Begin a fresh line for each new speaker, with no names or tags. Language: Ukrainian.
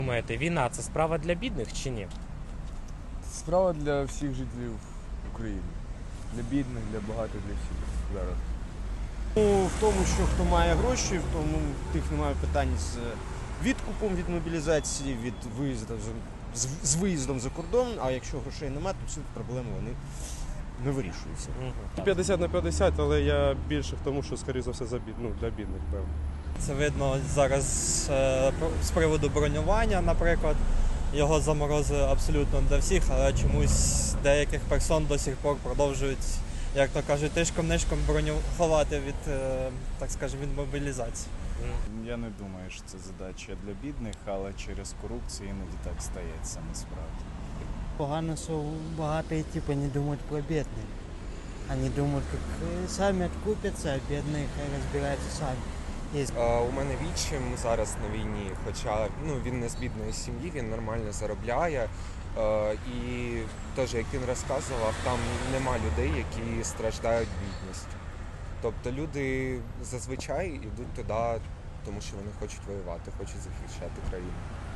Думаєте, війна це справа для бідних чи ні?
Справа для всіх жителів України. Для бідних, для багатих, для всіх зараз.
В тому, що хто має гроші, в тому тих немає питань з відкупом від мобілізації, від виїзду з виїздом за кордон. А якщо грошей немає, то всі проблеми вони не вирішуються.
50 на 50, але я більше в тому, що, скоріше за все, для бідних, певно.
Це видно зараз з приводу бронювання, наприклад. Його заморозили абсолютно для всіх, але чомусь деяких персон до сих пор продовжують, як то кажуть, тишком-нишком ховати від, так скажемо, від мобілізації.
Я не думаю, що це задача для бідних, але через корупцію іноді так стається насправді.
Погано, що багаті типу, не думають про бідних. Вони думають, як самі відкупляться, а бідні хай розбираються самі.
У мене відчим зараз на війні, хоча він не з бідної сім'ї, він нормально заробляє. І теж, як він розказував, там нема людей, які страждають бідністю. Тобто люди зазвичай йдуть туди, тому що вони хочуть воювати, хочуть захищати країну.